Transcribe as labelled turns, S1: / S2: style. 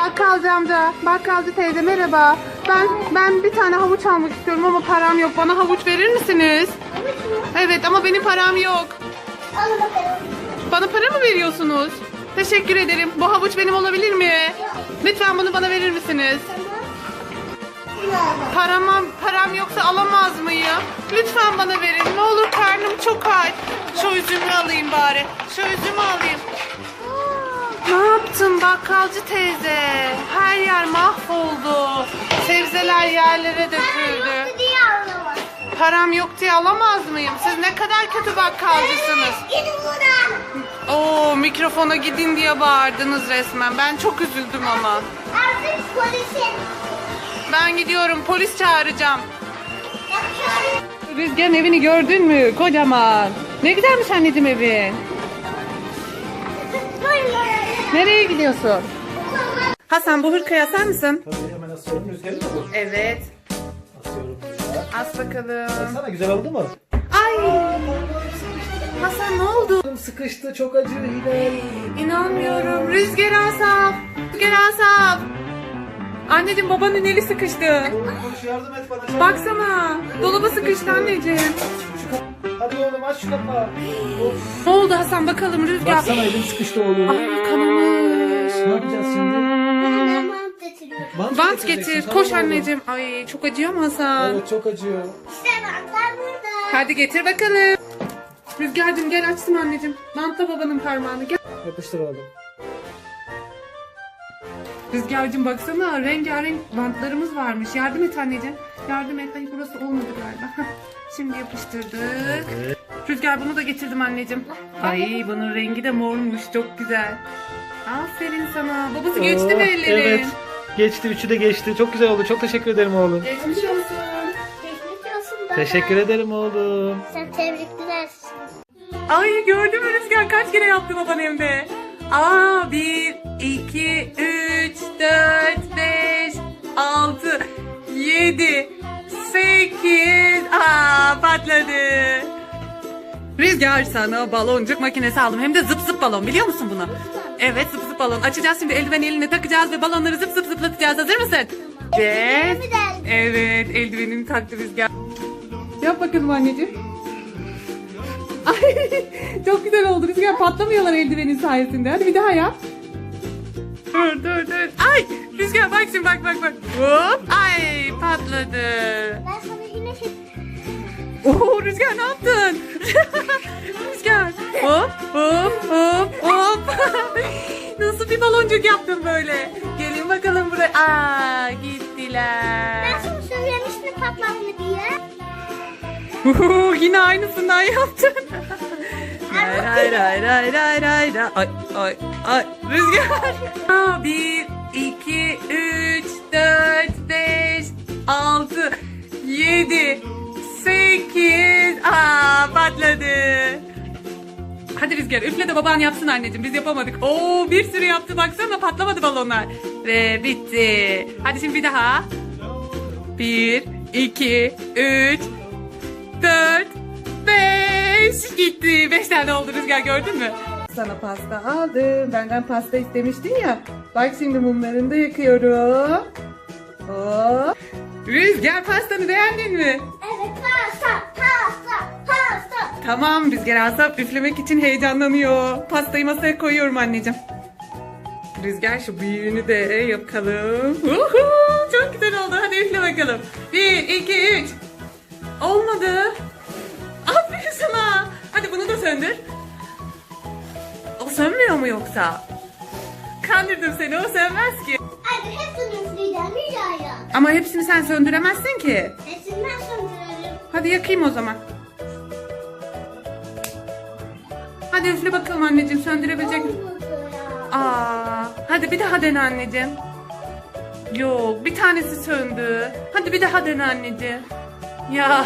S1: Bakkalcı amca, bakkalcı teyze merhaba. Ben bir tane havuç almak istiyorum ama param yok. Bana havuç verir misiniz? Evet ama benim param yok.
S2: Al bakalım.
S1: Bana para mı veriyorsunuz? Teşekkür ederim. Bu havuç benim olabilir mi? Lütfen bunu bana verir misiniz? Param yoksa alamaz mıyım? Lütfen bana verin. Ne olur karnım çok aç. Şu üzümü alayım bari. Şu üzümü alayım. Ne yaptın bakkalcı teyze? Her yer mahvoldu. Sebzeler yerlere döküldü.
S2: Diye anlamaz.
S1: Param yok diye alamaz mıyım? Siz ne kadar kötü bakkalcısınız.
S2: Gidin buradan.
S1: Oo, mikrofona gidin diye bağırdınız resmen. Ben çok üzüldüm ama.
S2: Artık polisin.
S1: Ben gidiyorum. Polis çağıracağım.
S2: Yapıyorum.
S1: Rüzgar'ın evini gördün mü? Kocaman. Ne güzelmiş anneciğim evin. Nereye gidiyorsun? Hasan bu hırkayı asar mısın?
S3: Tabii hemen asıyorum. Rüzgarı mı bu?
S1: Evet.
S3: Asıyorum buraya.
S1: As bakalım.
S3: Sana güzel oldu mu?
S1: Ay. Hasan ne oldu?
S3: Sıkıştı, çok acı Hilal.
S1: İnanmıyorum. Rüzgar Asaf. Rüzgar Asaf. Anneciğim babanın eli sıkıştı.
S3: Koş yardım et bana.
S1: Baksana. Dolaba sıkıştı anneciğim.
S3: Hadi oğlum aç şu kapağı. Of.
S1: Ne oldu Hasan bakalım Rüzgar.
S3: Baksana elim sıkıştı oğlum.
S1: Ay kanamış.
S3: Ne yapacağız şimdi?
S2: Ben mantı getiriyorum.
S1: Bant
S3: getireceksin,
S1: getir.
S3: tamam
S1: Koş
S3: oğlum.
S1: anneciğim. Ay çok acıyor mu Hasan?
S3: Evet çok acıyor.
S2: İşte bantlar burada.
S1: Hadi getir bakalım. Rüzgar'cığım gel açtım anneciğim. Bantla babanın parmağını gel.
S3: Yapıştır oğlum.
S1: Rüzgar'cığım baksana rengarenk bantlarımız varmış. Yardım et anneciğim. Yardım et. Ay burası olmadı galiba. Hah, şimdi yapıştırdık. Rüzgar bunu da getirdim anneciğim. Ay bunun rengi de mormuş. Çok güzel. Aferin sana. Babası geçti mi ellerin?
S3: Evet. Geçti. Üçü de geçti. Çok güzel oldu. Çok teşekkür ederim oğlum.
S1: Geçmiş olsun.
S2: Geçmiş olsun baba.
S3: Teşekkür ederim oğlum.
S2: Sen tebrikler.
S1: Ay gördün mü Rüzgar kaç kere yaptı baban evde? Aa 1, 2, 3, 4, 5, 6, 7, 8. Aa patladı. Rüzgar sana baloncuk makinesi aldım. Hem de zıp zıp balon biliyor musun bunu? Evet zıp zıp balon. Açacağız şimdi eldiven eline takacağız ve balonları zıp zıp zıplatacağız. Hazır mısın? Evet. Evet eldivenini taktı Rüzgar. Yap bakalım anneciğim. Ay çok güzel oldu Rüzgar patlamıyorlar eldivenin sayesinde. Hadi bir daha yap. Dur. Ay Rüzgar bak şimdi bak. Hop ay patladı.
S2: Ben sana yine şey...
S1: Oo Rüzgar ne yaptın? Rüzgar hop. Nasıl bir baloncuk yaptın böyle? Gelin bakalım buraya. Aa gittiler.
S2: Ben sana söylemiştim patlar mı diye.
S1: Yine aynısından yaptın. Ray. Ay. Rüzgar. 1, 2, 3, 4, 5, 6, 7, 8. Aa patladı. Hadi Rüzgar üfle de baban yapsın anneciğim. Biz yapamadık. Oo bir sürü yaptı baksana patlamadı balonlar. Ve bitti. Hadi şimdi bir daha. 1, 2, 3, 4, 5 gitti. 5 tane oldu Rüzgar gördün mü? Sana pasta aldım. Benden pasta istemiştin ya. Bak şimdi mumlarını da yakıyorum. Hop. Rüzgar pastanı beğendin mi?
S2: Evet pasta.
S1: Tamam Rüzgar Asaf üflemek için heyecanlanıyor. Pastayı masaya koyuyorum anneciğim. Rüzgar şu büyüğünü de yapalım. Uhu, çok güzel oldu. Hadi üfle bakalım. 1, 2, 3. Olmadı. Aferin sana. Hadi bunu da söndür. O sönmüyor mu yoksa? Kandırdım seni o sönmez ki.
S2: Hadi hepsini üfleyeceğim Hülya'ya.
S1: Ama hepsini sen söndüremezsin ki.
S2: Hepsini ben söndürelim.
S1: Hadi yakayım o zaman. Hadi üfle bakalım anneciğim söndürebilecek misin?
S2: Olmadı ya.
S1: Hadi bir daha dene anneciğim. Yok bir tanesi söndü. Hadi bir daha dene anneciğim. Ya